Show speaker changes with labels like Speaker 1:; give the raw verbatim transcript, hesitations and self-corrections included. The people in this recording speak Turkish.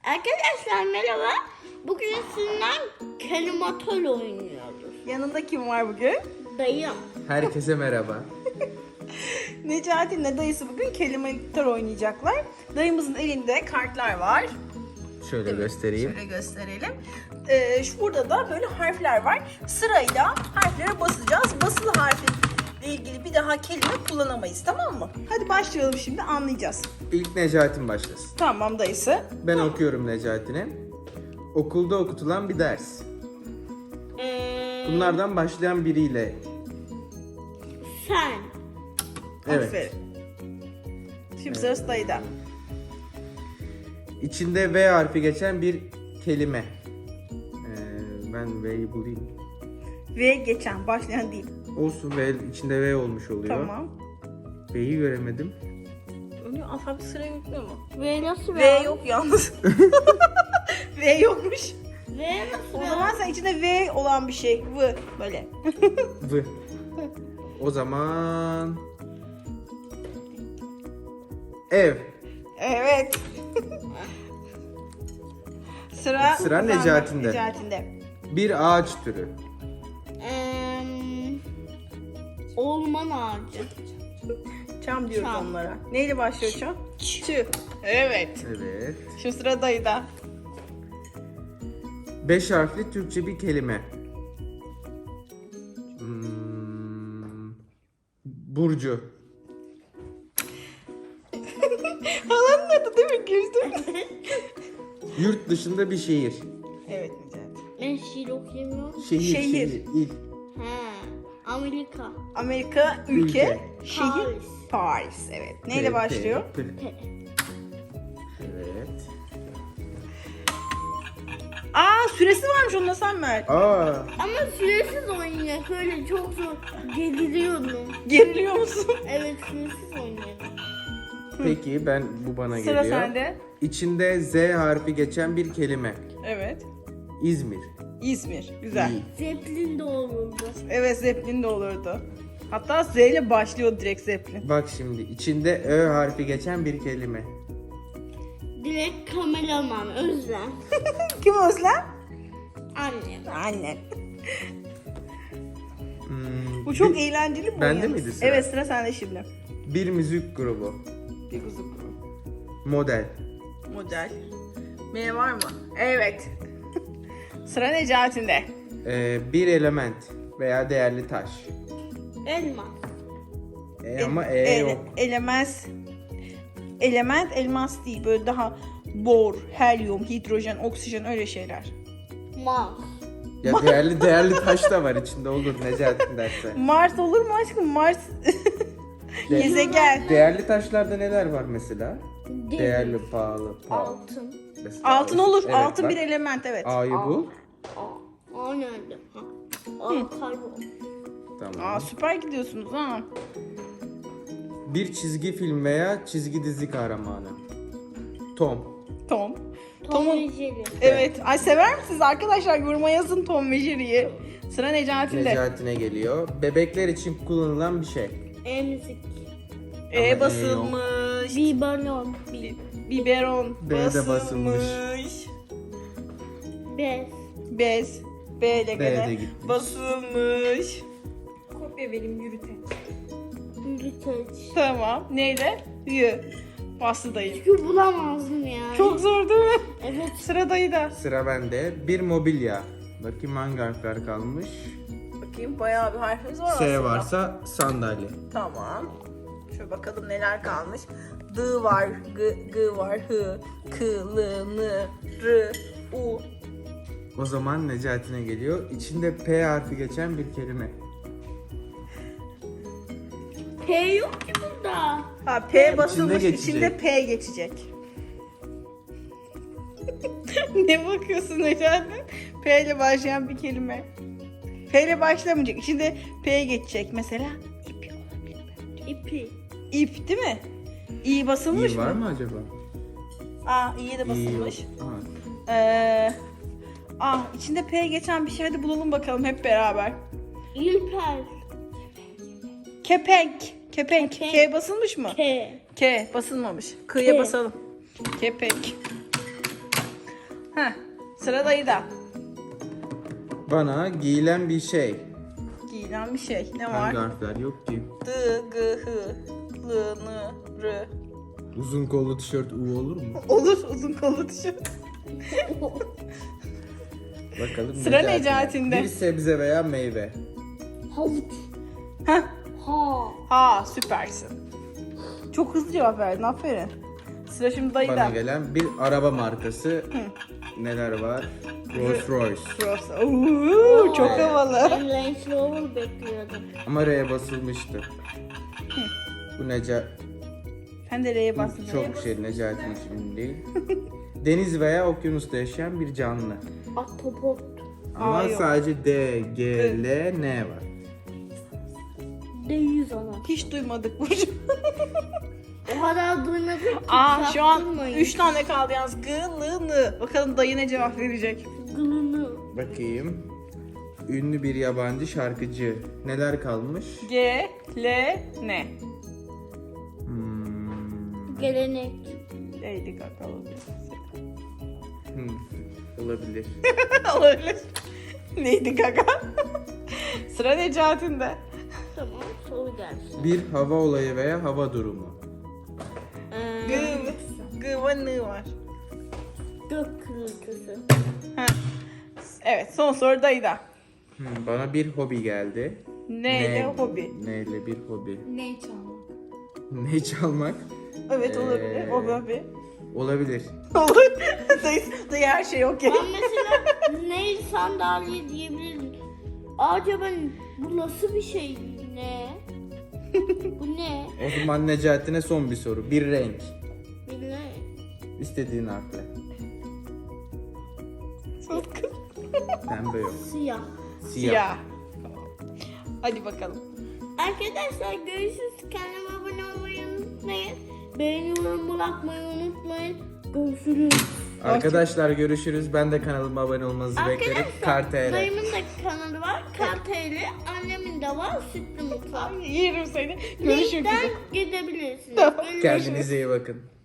Speaker 1: Arkadaşlar merhaba. Bugün sizinle kelimatol oynuyoruz.
Speaker 2: Yanında kim var bugün?
Speaker 1: Dayım.
Speaker 3: Herkese merhaba.
Speaker 2: Necati ile dayısı bugün kelimeler oynayacaklar. Dayımızın elinde kartlar var.
Speaker 3: Şöyle göstereyim.
Speaker 2: Şöyle gösterelim. Ee, şurada da böyle harfler var. Sırayla harflere basacağız. Basılı harfle ilgili bir daha kelime kullanamayız, tamam mı? Hadi başlayalım, şimdi anlayacağız.
Speaker 3: İlk Necati'm başlasın.
Speaker 2: Tamam dayısı.
Speaker 3: Ben okuyorum Necati'ne. Okulda okutulan bir ders.
Speaker 1: Ee,
Speaker 3: Bunlardan başlayan biriyle.
Speaker 1: sen.
Speaker 3: Evet.
Speaker 2: Aferin. Şimdi sırası dayıda.
Speaker 3: İçinde V harfi geçen bir kelime. Ee, ben V'yi bulayım.
Speaker 2: V geçen, başlayan değil.
Speaker 3: Olsun, V içinde V olmuş oluyor.
Speaker 2: Tamam.
Speaker 3: V'yi göremedim.
Speaker 2: Öyle alfabe sıraya yüklüyor mu?
Speaker 1: V nasıl
Speaker 2: V yok yalnız. V yokmuş.
Speaker 1: V nasıl
Speaker 2: O zaman sen içinde V olan bir şey. V böyle.
Speaker 3: V. O zaman ev.
Speaker 2: Evet. Sıra
Speaker 3: Sıra Necati'nde.
Speaker 2: Necati'nde.
Speaker 3: Bir ağaç türü.
Speaker 1: Ee, orman ağacı.
Speaker 2: Çam diyoruz
Speaker 1: Çam.
Speaker 2: onlara. Neyle başlıyor çam? Ç. Evet.
Speaker 3: Evet.
Speaker 2: Şu sıra dayıda.
Speaker 3: Beş harfli Türkçe bir kelime. Hmm, Burcu.
Speaker 2: Halanın adı değil mi? Güldüm.
Speaker 3: Yurt dışında bir şehir.
Speaker 2: Evet Necati.
Speaker 1: Ben şiir okuyamıyorum.
Speaker 3: Şehir,
Speaker 2: Şehir.
Speaker 3: şehir, il.
Speaker 1: He. Amerika.
Speaker 2: Amerika, ülke,
Speaker 3: Ülke.
Speaker 2: şehir,
Speaker 1: Paris.
Speaker 2: Paris. Evet. Neyle
Speaker 3: P,
Speaker 2: başlıyor?
Speaker 3: P, P.
Speaker 1: P.
Speaker 3: Evet.
Speaker 2: Aa, süresi varmış, onu sen ver.
Speaker 3: Aa,
Speaker 1: Ama süresiz oynuyor. Böyle çok zor. Geriliyorum.
Speaker 2: Geriliyor musun?
Speaker 1: Evet süresiz oynuyorum.
Speaker 3: peki ben bu bana
Speaker 2: Sıra
Speaker 3: geliyor.
Speaker 2: sende.
Speaker 3: İçinde Z harfi geçen bir kelime.
Speaker 2: Evet.
Speaker 3: İzmir.
Speaker 2: İzmir. Güzel.
Speaker 3: İyi.
Speaker 1: Zeppelin de olurdu.
Speaker 2: Evet, Zeppelin de olurdu. Hatta Z ile başlıyor direkt Zeppelin.
Speaker 3: Bak şimdi içinde Ö harfi geçen bir kelime.
Speaker 1: Direkt kameraman Özlem.
Speaker 2: Kim Özlem?
Speaker 1: Annem.
Speaker 2: Annen.
Speaker 3: Hmm,
Speaker 2: Bu çok
Speaker 3: bir,
Speaker 2: eğlenceli bu
Speaker 3: Bende
Speaker 2: oyun.
Speaker 3: miydi sıra?
Speaker 2: Evet, sıra sende şimdi.
Speaker 3: bir müzik grubu.
Speaker 2: Bir kuzu kuru.
Speaker 3: Model.
Speaker 2: Model. M var mı? Evet. Sıra Necati'nde.
Speaker 3: Ee, bir element veya değerli taş.
Speaker 1: Elma.
Speaker 3: E, ama E,
Speaker 2: E-
Speaker 3: yok.
Speaker 2: Elemez. Element elmas değil. Böyle daha bor, helyum, hidrojen, oksijen, öyle şeyler.
Speaker 1: Mars.
Speaker 3: Ya değerli değerli taş da var içinde, olur Necati derse.
Speaker 2: Mars olur mu aşkım? Mars
Speaker 3: De-
Speaker 2: gezegen.
Speaker 3: Değerli taşlarda neler var mesela?
Speaker 1: Demir.
Speaker 3: Değerli, pahalı, pahalı.
Speaker 1: Altın.
Speaker 3: Mesela
Speaker 2: Altın olur.
Speaker 3: evet,
Speaker 2: Altın
Speaker 3: bak.
Speaker 2: bir element, evet.
Speaker 3: A'yı bul.
Speaker 1: Aa, o nerede? Ha. Aa, karbon.
Speaker 3: Tamam.
Speaker 2: Aa, süper gidiyorsunuz ha.
Speaker 3: Bir çizgi film veya çizgi dizi kahramanı. Tom.
Speaker 2: Tom.
Speaker 1: Tom
Speaker 2: Tom'un-
Speaker 1: ve Jerry.
Speaker 2: Evet. Ay, sever misiniz arkadaşlar? Yoruma yazın Tom ve Jerry'yi. Sıra Necati'nde.
Speaker 3: Necati'ne geliyor. Bebekler için kullanılan bir şey.
Speaker 1: Emzik.
Speaker 2: E
Speaker 3: Ama E
Speaker 2: basılmış.
Speaker 1: Biberon.
Speaker 2: Bi- biberon
Speaker 3: B de
Speaker 2: basılmış.
Speaker 3: basılmış.
Speaker 1: Bez.
Speaker 2: Bez. B ile
Speaker 3: B de
Speaker 2: gene
Speaker 3: gitmiş.
Speaker 2: basılmış. Kopya vereyim, yürüte.
Speaker 1: Yürüteç.
Speaker 2: Tamam. Neyle? Y. Bastı dayı.
Speaker 1: Çünkü bulamazdım yani.
Speaker 2: Çok zor değil mi?
Speaker 1: Evet.
Speaker 2: Sıra dayıda.
Speaker 3: Sıra bende. Bir mobilya. Bakayım hangi harfler kalmış.
Speaker 2: Bakayım, bayağı bir harfimiz var
Speaker 3: S
Speaker 2: aslında.
Speaker 3: varsa sandalye.
Speaker 2: Tamam. Şöyle bakalım neler kalmış. D var, G, G var, H, K, L, N, R, U.
Speaker 3: O zaman Necati'ne geliyor. İçinde P harfi geçen bir kelime.
Speaker 1: P yok ki burada.
Speaker 2: Ha, P basılmış,
Speaker 3: İçinde geçecek.
Speaker 2: içinde P geçecek. Ne bakıyorsun Necati? P ile başlayan bir kelime. P ile başlamayacak, içinde P geçecek. Mesela ip olabilir bence.
Speaker 1: İpi.
Speaker 2: İp değil mi? İ basılmış
Speaker 3: İyi
Speaker 2: mı?
Speaker 3: var mı acaba?
Speaker 2: Aa, İ'ye de
Speaker 3: İyi yok.
Speaker 2: basılmış.
Speaker 3: Aa,
Speaker 2: Ee, ah, içinde P geçen bir şey, hadi bulalım bakalım hep beraber.
Speaker 1: İlper.
Speaker 2: Kepenk. Kepenk.
Speaker 1: Kepenk.
Speaker 2: K basılmış mı?
Speaker 1: K.
Speaker 2: K basılmamış. K'ya
Speaker 1: K.
Speaker 2: basalım. Kepenk. Heh, sıra dayıda.
Speaker 3: Bana giyilen bir şey.
Speaker 2: Giyilen bir şey. Ne var?
Speaker 3: Hangi harfler yok ki?
Speaker 2: D, G, H, L, N, R.
Speaker 3: Uzun kollu tişört U olur mu?
Speaker 2: Olur, uzun kollu tişört.
Speaker 3: Bakalım.
Speaker 2: Sıra Necati'nde.
Speaker 3: Bir sebze veya meyve.
Speaker 1: Havuç.
Speaker 2: Heh.
Speaker 1: Ha.
Speaker 2: Ha, süpersin. Çok hızlı cevap verdin, aferin. Sıra şimdi
Speaker 3: Bana
Speaker 2: dayıda.
Speaker 3: gelen bir araba markası. Neler var? Rolls Royce.
Speaker 2: Burası. Oo, çok
Speaker 3: Evet.
Speaker 2: havalı.
Speaker 1: Ben Range Rover bekliyordum.
Speaker 3: Ama R'ye basılmıştı. Bu Neca...
Speaker 2: Sen de R'ye bastın.
Speaker 3: Çok şey Necati'nin ismi değil. Deniz veya okyanusta yaşayan bir canlı.
Speaker 1: Ahtapot.
Speaker 3: Ama
Speaker 2: Aa, yok.
Speaker 3: sadece D, G, L, N var.
Speaker 1: Deyiz ama.
Speaker 2: Hiç duymadık Burcu.
Speaker 1: O kadar duymadık ki.
Speaker 2: Aa, şu an
Speaker 1: çaktırmayın.
Speaker 2: üç tane kaldı yalnız. G, L, N. Bakalım dayı ne cevap verecek.
Speaker 1: Gılını.
Speaker 3: Bakayım. Ünlü bir yabancı şarkıcı. Neler kalmış?
Speaker 2: G, L, N.
Speaker 3: Hmm.
Speaker 1: Gelenek.
Speaker 2: Lady Gaga olabilir.
Speaker 3: Hmm. Olabilir.
Speaker 2: Olabilir. Lady Gaga. Sıra Necati'nde.
Speaker 1: Tamam, soru gelsin.
Speaker 3: Bir hava olayı veya hava durumu.
Speaker 1: Ee,
Speaker 2: G, G ve N var.
Speaker 1: Gök gürültüsü.
Speaker 2: Heh. Evet, son soru dayıda.
Speaker 3: Hmm, Bana bir hobi geldi.
Speaker 2: Neyle hobi?
Speaker 3: Neyle bir hobi?
Speaker 1: Ne çalmak?
Speaker 3: Ne çalmak?
Speaker 2: Evet, olabilir.
Speaker 3: Ee,
Speaker 2: O hobi.
Speaker 3: Olabilir.
Speaker 2: Olur. dayı, dayı her şey okey.
Speaker 1: Ben mesela ne sandalye diyebilirim. Acaba bu nasıl bir şey? Ne? Bu ne?
Speaker 3: O zaman Necati'ne son bir soru. Bir renk.
Speaker 1: Ne?
Speaker 3: İstediğin harfle. Pembe yok.
Speaker 1: Siyah.
Speaker 3: Siyah.
Speaker 2: Siyah. Hadi bakalım.
Speaker 1: Arkadaşlar görüşürüz. Kanalıma abone olmayı unutmayın. Beğeni yorum bırakmayı unutmayın. Görüşürüz.
Speaker 3: Arkadaşlar görüşürüz. Ben de kanalıma abone olmanızı beklerim.
Speaker 1: Arkadaşlar
Speaker 3: Kartele.
Speaker 1: dayımın da kanalı var. Karteli. Annemin de var. Sütlü mutfak.
Speaker 2: Yerim seni. Görüşmek
Speaker 1: Linkten
Speaker 2: üzere.
Speaker 1: gidebilirsiniz.
Speaker 2: Tamam.
Speaker 1: Görüşürüz.
Speaker 3: Kendinize iyi bakın.